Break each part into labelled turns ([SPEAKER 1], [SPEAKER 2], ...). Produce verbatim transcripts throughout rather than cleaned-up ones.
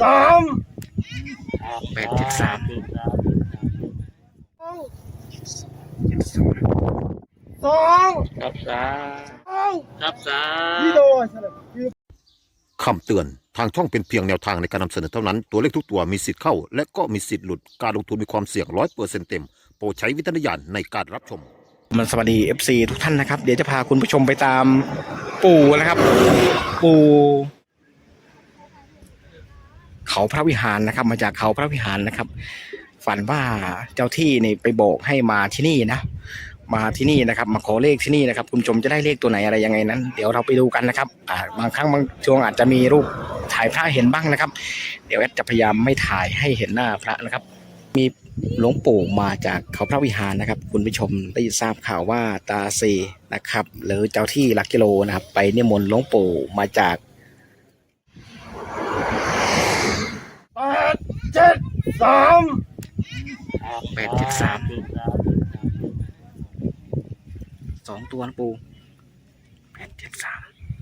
[SPEAKER 1] สาม
[SPEAKER 2] แปดเจ็ดสาม
[SPEAKER 1] สอง
[SPEAKER 2] ครับสามครับสาม
[SPEAKER 3] คำเตือนทางช่องเป็นเพียงแนวทางในการนำเสนอเท่านั้นตัวเลขทุกตัวมีสิทธิ์เข้าและก็มีสิทธิ์หลุดการลงทุนมีความเสี่ยงร้อยเปอร์เซ็นต์เต็มโปรดใช้วิจารณญาณในการรับชม
[SPEAKER 2] มันสวัสดี เอฟ ซี ทุกท่านนะครับเดี๋ยวจะพาคุณผู้ชมไปตามปู่นะครับปู่เขาพระวิหารนะครับมาจากเขาพระวิหารนะครับฝันว่าเจ้าที่นี่ไปบอกให้มาที่นี่นะมาที่นี่นะครับมาขอเลขที่นี่นะครับคุณผู้ชมจะได้เลขตัวไหนอะไรยังไงนั้นเดี๋ยวเราไปดูกันนะครับอ่าบางครั้งบางช่วงอาจจะมีรูปถ่ายพระเห็นบ้างนะครับเดี๋ยวแอดจะพยายามไม่ถ่ายให้เห็นหน้าพระนะครับมีหลวงปู่มาจากเขาพระวิหารนะครับคุณผู้ชมได้ทราบข่าวว่าตาเซนะครับหรือเจ้าที่หลักกิโลนะครับไปนิมนต์หลวงปู่มาจาก
[SPEAKER 1] แปดเจ็ดสาม
[SPEAKER 2] แปดเจ็ดสามสองตัวนะปูแปดเจ็ดสาม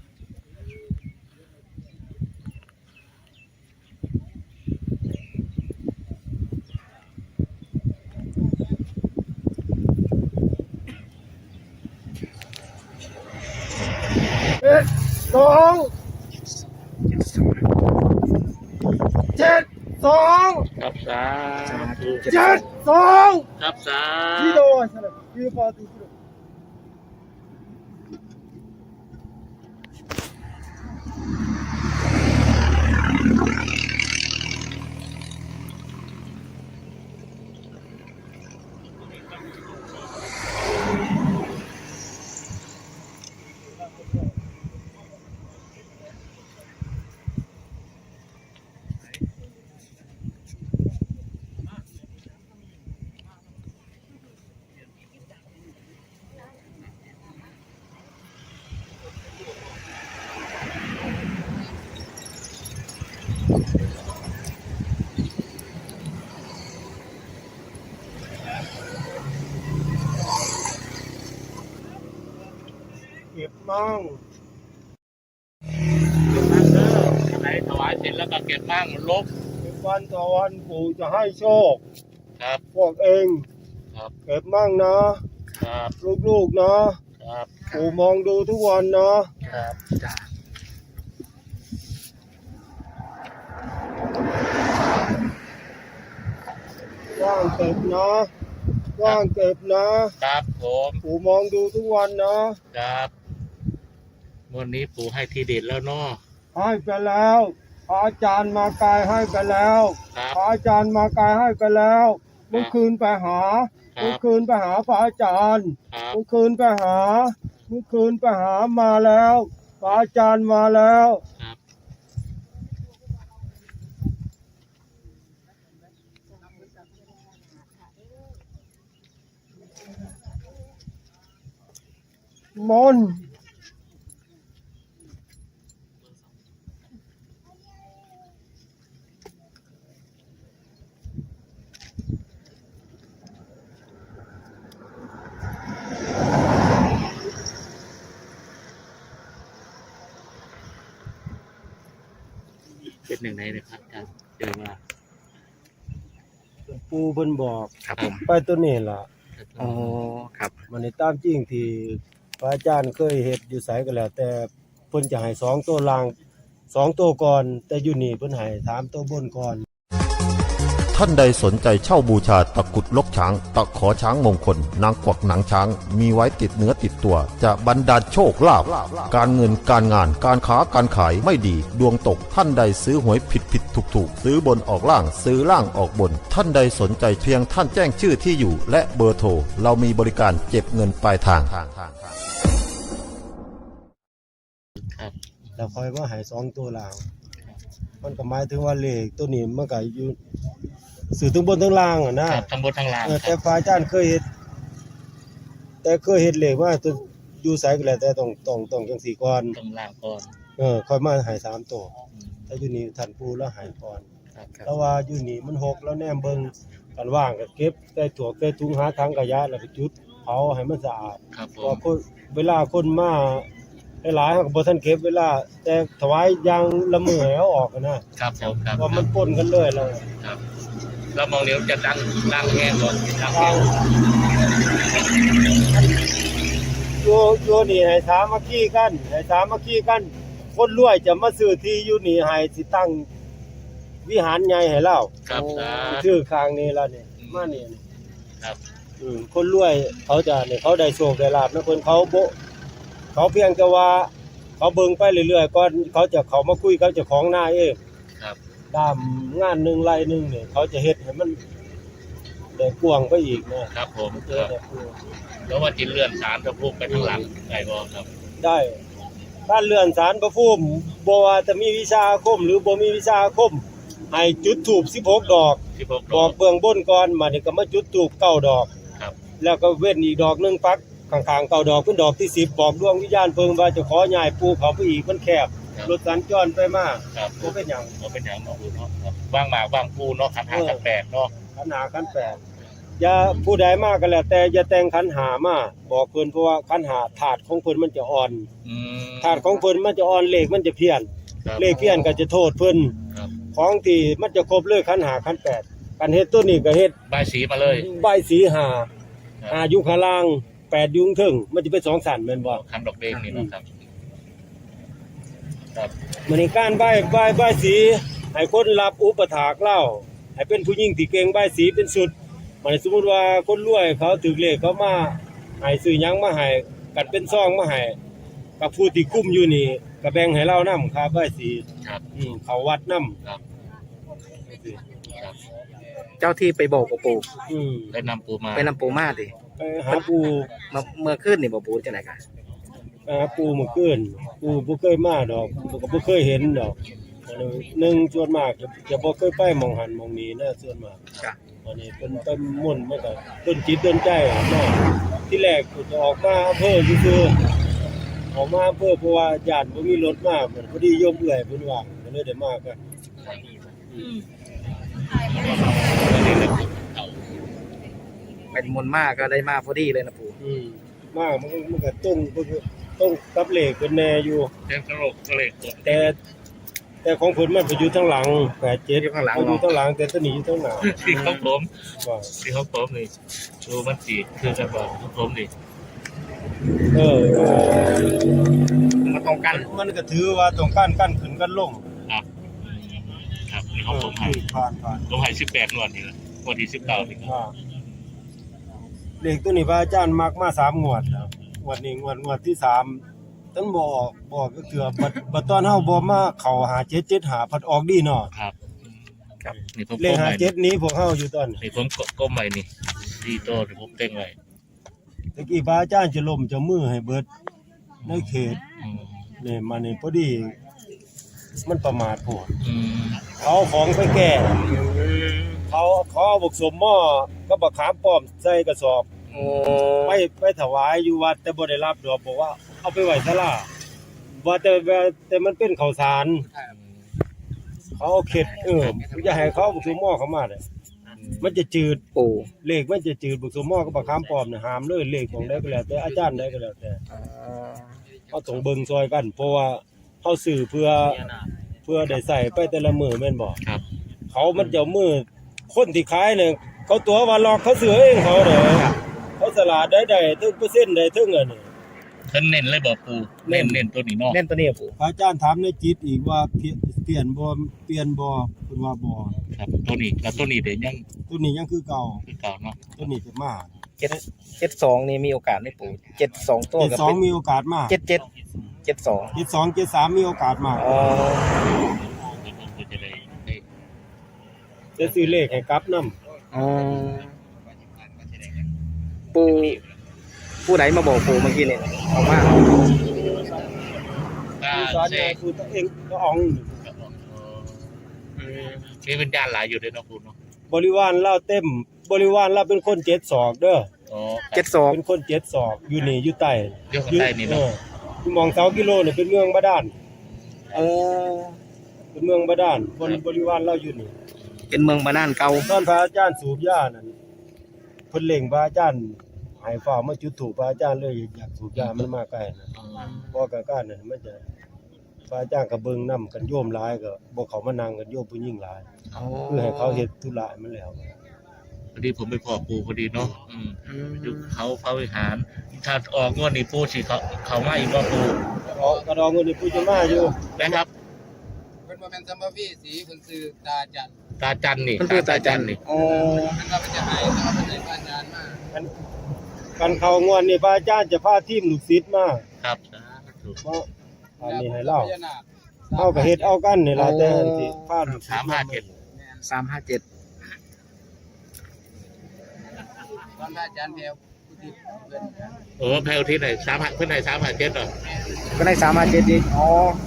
[SPEAKER 1] เจ็ดสองเจ็ดสอง
[SPEAKER 2] ครับสาม
[SPEAKER 1] เจ็ดสอง
[SPEAKER 2] ครับสาม
[SPEAKER 1] ที่โดนที่ปาติโดเก็บมั่ง
[SPEAKER 2] ไหนถวายเสร็จแล้วก็เก็บมั่งลบ
[SPEAKER 1] วันต่อวันปู่จะให้โชค
[SPEAKER 2] ครับ
[SPEAKER 1] พวกเอง
[SPEAKER 2] ครับ
[SPEAKER 1] เก็บมั่งนะครับลูกๆนะครับปู่มองดูทุกวันนะครับ
[SPEAKER 2] จ้า
[SPEAKER 1] ว่างเก็บนะว่างเก็บนะครับ
[SPEAKER 2] ผม
[SPEAKER 1] ปู่มองดูทุกวันนะครับ
[SPEAKER 2] วันนี้ปู่ให้ทีเด็ดแล้วเนาะ
[SPEAKER 1] ให้ไปแล้วพระอาจารย์มากายให้ไปแล้วพระอาจารย์มากายให้ไปแล้วเมื่อคืนไปหาเมื่อคืนไปหาพระอาจารย์เมื่อคืนไปหาเมื่อคืนไปหามาแล้วพระอาจารย์มาแล้วมน
[SPEAKER 2] เป็นหนึ่งในนะครับอาจารย์เจอมา
[SPEAKER 1] ปูเพิ่นบอก
[SPEAKER 2] ครับผม
[SPEAKER 1] ไปตัวนี้ล่ะ
[SPEAKER 2] อ๋อครับ
[SPEAKER 1] มันในตามจริงที่พระอาจารย์เคยเฮ็ดอยู่ไสก็แล้วแต่เพิ่นจะให้สองตัวล่างสองตัวก่อนแต่อยู่นี่เพิ่นให้สามตัวบนก่อน
[SPEAKER 3] ท่านใดสนใจเช่าบูชาตะกุดลกช้างตะขอช้างมงคลนางกวักหนังช้างมีไว้ติดเนื้อติดตัวจะบรรดาลโชคลาภการเงินการงานการค้าการขายไม่ดีดวงตกท่านใดซื้อหวยผิดผิดถูกถูกซื้อบนออกล่างซื้อล่างออกบนท่านใดสนใจเพียงท่านแจ้งชื่อที่อยู่และเบอร์โทรเรามีบริการเก็บเงินปลายทาง
[SPEAKER 1] แล้วคอยว่าให้สองตัวล่างมันก็หมายถึงว่าเลขตัวนี้มันก็อยู่สื่อทั้งบนทั้งล่างอ่ะนะ
[SPEAKER 2] ทั้งบนทั้งล่าง
[SPEAKER 1] แต่ฝ่ายอาจารย์เคยเฮ็ดแต่เคยเฮ็ดเลขว่าตัวอยู่ไสก็แล้วแต่ต้องต้องต้องจังซี่ก่อน
[SPEAKER 2] ต้องล่างก่อน
[SPEAKER 1] เออค่อยมาให้สามตัวถ้าอยู่นี่ท่านปู่แล้วให้ก่อนแต่ว่าอยู่นี่มันหกแล้วแนมเบิ่งกันว่างก็เก็บใส่ถั่วใส่ถุงหาถังขยะแล้วก็จุดเผาให้มันสะอาด
[SPEAKER 2] ครับผม
[SPEAKER 1] พอเวลาคนมาหลายๆเขาก็บ่ทันเก็บเวลาแต่ถวายอย่างละมื้อให้เอาออกอะนะครับ
[SPEAKER 4] ผมครับ
[SPEAKER 1] ว่ามันปนกันเลยแล้ว
[SPEAKER 4] ครับแล้วมองเดี๋ยวจะดังดังแห้งก่อนดังแห้ง
[SPEAKER 1] อยู่อยู่นี่ให้สามัคคีกันให้สามัคคีกัน คนรวยจะมาซื้อที่อยู่นี่ให้สิตั้งวิหารใหญ่ให้เรา
[SPEAKER 4] ครับสาธุ
[SPEAKER 1] ชื่อข้างนี้แล้วนี่มานี่
[SPEAKER 4] ครับ
[SPEAKER 1] อืมคนรวยเขาจะเนี่ยเขาได้โชคได้ลาภนะเพิ่นเขาบ่เขาเพียงแต่ว่าเขาเบิ่งไปเรื่อยๆก่อนเขาจะเข้ามาคุยกับเจ้าของนาเอง
[SPEAKER 4] ครับ
[SPEAKER 1] ตามงานหนึงไร่หนึงเนี่ยเขาจะเฮ็ดให้มันได้กว้างไปอีกนะครับ
[SPEAKER 4] ผม
[SPEAKER 1] เจ
[SPEAKER 4] ค
[SPEAKER 1] อ
[SPEAKER 4] รับ
[SPEAKER 1] แต่ผู้
[SPEAKER 4] แล้วว่าจิเลื่อนสารพระภูมิไปทางหลังได้บ่ครับ
[SPEAKER 1] ได้การเลื่อนศาลพระภูมิบ่ว่าจะมีวิชาอาคมหรือบ่มีวิชาอาคมให้จุดธูปสิบหกดอก
[SPEAKER 4] สิบหก
[SPEAKER 1] บอกเบื้องบนก่อนมานี่ก็มาจุดธูปเก้าดอก
[SPEAKER 4] ครับ
[SPEAKER 1] แล้วก็เว้นอีกดอกหนึงปักข้างๆเก้าดอกเป็นดอกที่สิบบอกดวงวิญญาณเพิ่งว่าจะขอย้ายปูเขาไปอีกมันแคบรถสัญจรไปมา
[SPEAKER 4] ครับ
[SPEAKER 1] บ่เป็นหยัง
[SPEAKER 4] ก็เป็นอย่างเนาะเนาะครับว่างหมากว่างปูเนาะขันห้าขันแปดเนาะ
[SPEAKER 1] ขันหาขันแปดอย่าผู้ใดมาก็แล้วแต่อย่าแต่งขันหามาบอกเพิ่นเพราะว่าขันหาถาดของเพิ่นมันจะอ่อน
[SPEAKER 4] อืม
[SPEAKER 1] ถาดของเพิ่นมันจะอ่อนเลขมันจะเพี้ยน
[SPEAKER 4] ครับ
[SPEAKER 1] เลขเพี้ยนก็จะโทษเพิ่น
[SPEAKER 4] ครับ
[SPEAKER 1] ของที่มันจะครบเลยขันหาขันแปดกันเฮ็ดตัวนี้ก็เฮ็ด
[SPEAKER 4] ใบายสีมาเลย
[SPEAKER 1] ใบายสีหา
[SPEAKER 4] ครับ
[SPEAKER 1] หาอยู่ข้างล่างแปดอยู่ข้างถึงมันจะเป็นสองสันแม่นบ่
[SPEAKER 4] คันดอกเด้งนี่เนาะครับครับ
[SPEAKER 1] มื้อนี้การใบใบใบายสีให้คนรับอุปถากเล่าให้เป็นผู้หญิงที่เก่งใบายสีเป็นสุดมันสมมุติว่าคนรวยเขาถือเลขเขามาให้ซื้อหยังมาให้กันเป็นซองมาให้กับผู้ที่คุ้มอยู่นี่ก็แบ่งให้เรานำค่าใบายสี
[SPEAKER 4] ครับ
[SPEAKER 1] อืมเขาวัดนำ
[SPEAKER 4] ครับครับ
[SPEAKER 2] เจ้าที่ไปบอกกับปู่
[SPEAKER 1] อืม
[SPEAKER 4] ได้นำปูมา
[SPEAKER 2] ไปนำปู่มาดิ
[SPEAKER 1] ไปหาปู่
[SPEAKER 2] เมื่อเมื่อคืนนี่บ่ปู่จังได๋กะ
[SPEAKER 1] ไปหาปู่เมื่อคืนปู่บ่เคยมาดอกปู่ก็บ่เคยเห็นดอกอันนี้หนึ่งส่วนมากจะจะบ่เคยไปหม่องหันหม่องนี้นะส่วนมาก
[SPEAKER 2] จ้ะ
[SPEAKER 1] อันนี้เป็นต้นมุ่นต์มันก็ต้นจิตต้นใจอะเนาะที่แรกกูจะออกมาอำเภอซื่อๆออกมาอำเภอเพราะว่าญาติบ่มีรถมาเหมือนพอดีโยมเอื้อยเพิ่นว่าก็เลยได้มากัน
[SPEAKER 2] เป็นมนต์มากก็ได้มาพอดีเลยนะปู่
[SPEAKER 1] อืมมามันก็มันก็ตรงมันก็ตรงกับเลขเพิ่นแน่อยู่
[SPEAKER 4] เต็มกระโหลกกระเหล็กกด
[SPEAKER 1] แต่แต่ของเพิ่นมันไปอยู่ทางหลังแปดเจ็ด
[SPEAKER 2] อยู่ข้างหลัง
[SPEAKER 1] อยู่
[SPEAKER 2] เนาะ
[SPEAKER 1] ทางหลังแต่ตัวนี้อยู่ทางหน้า
[SPEAKER 4] ที่เขาผม
[SPEAKER 1] ว่า
[SPEAKER 4] ที่เขาผมนี่ดูมันสีคือกันบ่เขาผมนี่
[SPEAKER 1] เออ
[SPEAKER 2] มาตรงกัน
[SPEAKER 1] มันก็ถือว่าตรงกันกันขึ้นกันลง
[SPEAKER 4] ครับครับนี่
[SPEAKER 1] เอ
[SPEAKER 4] เขา
[SPEAKER 1] อ
[SPEAKER 4] ผมให้
[SPEAKER 1] ผ่านผ่าน
[SPEAKER 4] ผมให้สิบแปดนวดนี่ละงวดที่สิบเก้านี่ครับ
[SPEAKER 1] อ่าเลขตัวนี้พระอาจารย์มักมาสามงวดแล้วงวดนี้งวดงวดที่สามตั้งบ่ออกบอกก็เถื่อบัดบัดตอนเฮาบ่มาเข้าหาเจ็ดเจ็ดหาพัดออกดีเนาะ
[SPEAKER 4] ครับครับนี่ผม
[SPEAKER 1] เล
[SPEAKER 4] ก้
[SPEAKER 1] ข
[SPEAKER 4] ม
[SPEAKER 1] หา
[SPEAKER 4] ไว้
[SPEAKER 1] เจ็ดนี้พวกเฮาอยู่ตอนนี้
[SPEAKER 4] นี่ผมก้มไว้นี่ดีโตที่ผมเต็งไว้
[SPEAKER 1] ตะกี้พระอาจารย์จะล้มจะมือให้เบิดในเขต
[SPEAKER 4] อืม
[SPEAKER 1] นี่มานี่พอดีมันประมาทโพด
[SPEAKER 4] อืม
[SPEAKER 1] เขาเอาของไปแก้เขาเขาเอาบกสมหม้อก็บักขามป้อมใส่กระสอบ
[SPEAKER 2] โอ้
[SPEAKER 1] ไปไปถวายอยู่วัดแต่บ่ได้รับดอกบอกว่าเอาไปไว้ศาลาว่าแต่ว่าแต่มันเป็นข้าวสารเขาเอาเข็ดเอออย่าให้เขาเอาบกสมหม้อเข้ามาเด้อมันจะจืด
[SPEAKER 2] ปู่
[SPEAKER 1] เลขมันจะจืดบกสมหม้อกับบักขามป้อมน่ะห้ามเลยเลขของได้ก็แล้วแต่อาจารย์ได้ก็แล้วแต่
[SPEAKER 2] อ่า
[SPEAKER 1] เฮาต้องเบิ่งซอยกัน เพราะว่าเฮาซื้อเพื่อเพื่อได้ใส่ไปแต่ละมื้อแม่นบ่
[SPEAKER 4] ครับ
[SPEAKER 1] เขามันจะมือคนที่ขายเนี่ยเขาตัวว่าหลอกเขาเสือเองเขาเด้อเขาสลาดได้ได้ถึงเปอร์เซ็นต์ได้ถึงอันนี้
[SPEAKER 4] เพิ่นเน้นเลยบอกปูเน้นเน้นตัวนี้เนาะ
[SPEAKER 2] เล่นตัวนี้อะปู่
[SPEAKER 1] พระอาจารย์ถามในจิตอีกว่าเปลี่ยนเปลี่ยนบ่เปลี่ยนบ่เพิ่นว่าบ่
[SPEAKER 4] ครับตัวนี้แล้วตัวนี้เดี๋ยวยัง
[SPEAKER 1] ตัวนี้ยังคือเก่า
[SPEAKER 4] คือเก่าเนาะ
[SPEAKER 1] ตัวนี้จะมา
[SPEAKER 2] เจ็ดเจ็ดสองนี่มีโอกาสได้ปู่เจ็ดสองตัว
[SPEAKER 1] เจ็ด
[SPEAKER 2] กับ
[SPEAKER 1] สอง
[SPEAKER 2] เป็น
[SPEAKER 1] มีโอกาสมา
[SPEAKER 2] เจ็ดเจ็ดเจ็ดสอง
[SPEAKER 1] เจ็ดสองเจ็ดสามมีโอกาสมา
[SPEAKER 2] อ๋อ
[SPEAKER 4] ก็จะได้ได้
[SPEAKER 1] จะซื้อเลขให้กลับนำ
[SPEAKER 2] อ๋อปู่ผู้ใดมาบอกปู่เมื่อกี้นี่ออกมา
[SPEAKER 4] ตา
[SPEAKER 1] สอน
[SPEAKER 4] เส
[SPEAKER 1] เนี่ย
[SPEAKER 4] ก
[SPEAKER 1] คือตัวเองก็ออง
[SPEAKER 4] มีวิญญาณหลายอยู่ด้วยเนาะปูเนาะ
[SPEAKER 1] บริวารเราเต็ม บริวารเราเป็นคนเจ็ดศอกเด้อ
[SPEAKER 4] อ๋อ
[SPEAKER 2] เจ็ดสอง
[SPEAKER 1] เป็นคนเจ็ดศอกอยู่นี่อยู่ใต้
[SPEAKER 4] อยู่ข้างใต้นี่เนาะ
[SPEAKER 1] อออยู่หมองเสากิโลเนี่ยเป็นเมืองบาดาล
[SPEAKER 2] อ๋อ
[SPEAKER 1] เป็นเมืองบาดาลบริบริวารเราอยู่นี่
[SPEAKER 2] เป็นเมืองบาดาลเก่า
[SPEAKER 1] ตอนพระอาจารย์สูบยานั่นเพิ่นเล่งพระอาจารย์ให้ฝ่ามาจุดถูกพระอาจารย์เลยอยากสูบยามันมาใกล้นะ
[SPEAKER 4] อ๋อ
[SPEAKER 1] เพราะการการนั่นมันจะพระอาจารย์ก็เบิ่งนำกันโยมหลายก็บ่เข้ามานั่งกันโยมผู้หญิงหลายคือให้เขาเฮ็ดธุระมันแล้ว
[SPEAKER 4] พอดีผมไปขอปูพอดีเนาะอืมอยู่เขาพระวิหารถ้าออกงวดนี้ปูสิเขาเขามาอีกว่าปู
[SPEAKER 1] ออกกระดองเงินนี่ผู้จะมาอยู่
[SPEAKER 4] นะครับ
[SPEAKER 5] เพิ่นบ่แม่นสัมภวีสีเพิ่นซื้อตาจัน
[SPEAKER 4] ตาจันนี่
[SPEAKER 2] มันคือตาจัน
[SPEAKER 4] นี่
[SPEAKER 2] อ๋อ
[SPEAKER 5] เพิ่นว่าเพิ่นจะให้แต่ว่าเพิ่นได้ผ่านงานมา
[SPEAKER 1] กันกันเข้างวดนี่พระอาจารย์จะพาทีมลูกศิษย์มา
[SPEAKER 4] ครับ
[SPEAKER 1] เพราะอันนี้ให้เล่า
[SPEAKER 5] พญนาค
[SPEAKER 1] เฮาก็เฮ็ดเอากันนี่ล่ะแต่อันที่พาลูกศิษย์
[SPEAKER 4] สามห้าเจ็ด
[SPEAKER 2] สามห้าเจ็ด
[SPEAKER 5] ตอนพระอาจารย์แพรวผู้ที่เพิ่น
[SPEAKER 4] โอ้แพลวที่ไหนสามห้าเพื่อนไหนสามห้าเจ็ดเหรอ
[SPEAKER 2] ก็ได้สามห้าเจ็ดอีกอ๋อ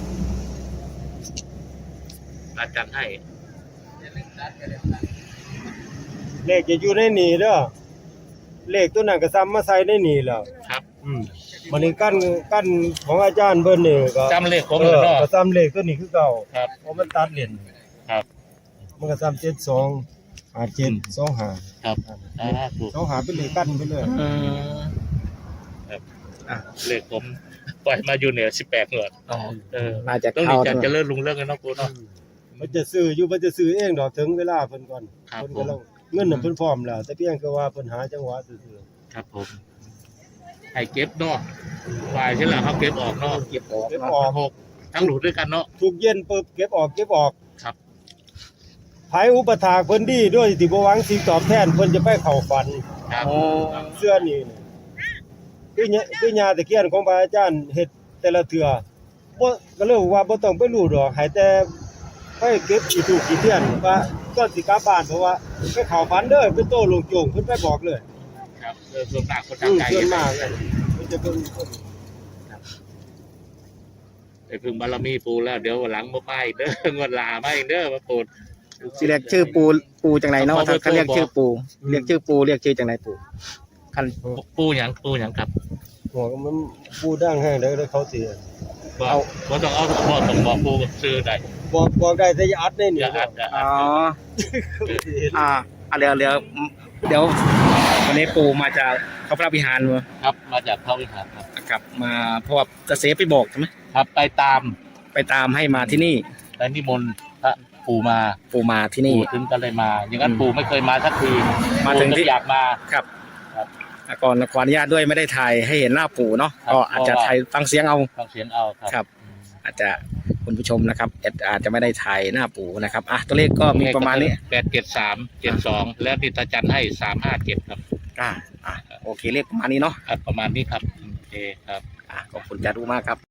[SPEAKER 4] ตาจันให้
[SPEAKER 5] จะเล่นตัดก็ได้ตัด
[SPEAKER 1] เลขจะอยู่ในนี่เด้อเลขตัวนั้นก็ซ้ำมาใส่ในนี่แล้ว
[SPEAKER 4] ครับ
[SPEAKER 1] อืมบัดนี้กั้นกั้นของอาจารย์เพิ่นนี่ก็
[SPEAKER 4] จำเลขผม
[SPEAKER 1] เอ
[SPEAKER 4] เลย
[SPEAKER 1] อ
[SPEAKER 4] เนาะ
[SPEAKER 1] ก็ซ้ำเลขตัวนี้คือเก่า
[SPEAKER 4] ครับ
[SPEAKER 1] เพราะมันตัดเหรียญ
[SPEAKER 4] ครับ
[SPEAKER 1] มันก็ซ้ำเจ็ดสองห้าเจ็ดสองห้า
[SPEAKER 4] ครับอ่าถูก
[SPEAKER 1] สองห้าเป็นเลขกั้นไปเลย
[SPEAKER 2] อืม
[SPEAKER 4] ครับอ่ะเลขผมปล่อยมาอยู่เหนือสิบแปดหน่วย
[SPEAKER 2] อ๋อ
[SPEAKER 4] เออ
[SPEAKER 2] น่าจะ
[SPEAKER 4] ต้อง
[SPEAKER 2] เข้า
[SPEAKER 4] ดีจัดจะเลิศลุงเรื่องกันเนาะปูเนาะ
[SPEAKER 1] มันจะซื้ออยู่มันจะซื้อเองดอกถึงเวลาเพิ่นก่อน
[SPEAKER 4] ครับ
[SPEAKER 1] เพิ่นกำลังเงินน่ะเพิ่นพร้อมแล้วแต่เพียงแต่ว่าเพิ่นหาจังหวะซื่อ
[SPEAKER 4] ครับผมให้เก็บเนาะฝ่ายใช่ไหมเขาเก็บออกเนาะ
[SPEAKER 2] เก็บออก
[SPEAKER 1] ๆเก็บ
[SPEAKER 2] เนาะ
[SPEAKER 1] ออก
[SPEAKER 4] หกทั้งหลุดด้วยกันเนาะ
[SPEAKER 1] ทุกเย็นปึ๊บเก็บออกเก็บออก
[SPEAKER 4] ครับ
[SPEAKER 1] ไผอุปถากเพิ่นดีด้วยที่บ่หวังสิ่งตอบแทนเพิ่นจะไปเข้าฝัน
[SPEAKER 4] ครับ
[SPEAKER 2] อ๋อ
[SPEAKER 1] เสื้อนี่นี่คือเนี่ยคือยาตะเคียนของพระอาจารย์เฮ็ดแต่ละเทื่อบ่ก็เลยว่าบ่ต้องไปรู้ดอกให้แต่ไปเก็บอีถูกอีเทียนว่าก่อนสิกลับบ้านเพราะว่าไปเข้าฝันเด้อไปโตลงโจงเพิ่นไปบอกเลย
[SPEAKER 4] ครับเออส่วนมากคน
[SPEAKER 1] อื
[SPEAKER 4] ทาง
[SPEAKER 1] ม
[SPEAKER 4] ไกล
[SPEAKER 1] ส่วนมากเนี่ยมันจะเป็นคน
[SPEAKER 4] ไปพึ่งบารมีปูแล้วเดี๋ยววันหลังมาไปเด้องวดลาไม่เด้อมาปู
[SPEAKER 2] สิเรียกชื่อปูปูจังไหนเนาะ
[SPEAKER 4] เอา
[SPEAKER 2] ถ้า
[SPEAKER 4] เบอร์
[SPEAKER 2] เขาเรียก
[SPEAKER 4] โทร
[SPEAKER 2] ชื่อปูเรียกชื่อปูเรียกชื่อจังไหนปูคัน
[SPEAKER 4] ปูหยังปูหยังครับ
[SPEAKER 1] หัวก็มันพูดดังแห้งได้แล้วเขาสิ
[SPEAKER 4] บอกบ่ต้องเอาบ่ต้องบอกปูซื้อได้
[SPEAKER 1] บอกบอกได้แต่อย่าอัดใน
[SPEAKER 4] อ
[SPEAKER 1] นี่
[SPEAKER 4] ย่าอัดอย่า
[SPEAKER 2] อ๋
[SPEAKER 4] อั
[SPEAKER 2] อ
[SPEAKER 4] ด
[SPEAKER 2] อ่าอ่ะเดี๋ยวเดี๋ยวเดี๋ยววันนี้ปูมาจากเขาพระวิหารมา
[SPEAKER 4] ครับมาจากพระวิหารครับ
[SPEAKER 2] กลับมาเพราะว่าจะเสไปบอกใช่ไหม
[SPEAKER 4] ครับไปตาม
[SPEAKER 2] ไปตามให้มาที่นี่
[SPEAKER 4] ไปนิมนต์พระปู่มา
[SPEAKER 2] ปูมาที่นี่
[SPEAKER 4] ปู่ถึงก็เลยมา อย่างนั้นปู่ไม่เคยมาสักที
[SPEAKER 2] มาถึงที่
[SPEAKER 4] ปู่ก็อยากมา
[SPEAKER 2] ครับ
[SPEAKER 4] ครับ
[SPEAKER 2] อ่ะก่อนขออนุญาตด้วยไม่ได้ถ่ายให้เห็นหน้าปู่เนาะ
[SPEAKER 4] ครับ
[SPEAKER 2] ก็อาจจะถ่ายฟังเสียงเอา
[SPEAKER 4] ฟังเสียงเอาครับ
[SPEAKER 2] ครับ อาจจะคุณผู้ชมนะครับอาจอาจจะไม่ได้ถ่ายหน้าปู่นะครับอ่ะตัวเลขก็มีประมาณนี้
[SPEAKER 4] แปดเจ็ดสามเจ็ดสองแล้วนิตาจันให้สามห้าเจ็ดครับ
[SPEAKER 2] อ่าอ่ะโอเคเลขประมาณนี้เนาะ
[SPEAKER 4] ครับประมาณนี้ครับโอเคครับ
[SPEAKER 2] อ่ะขอบคุณจารุมากครับ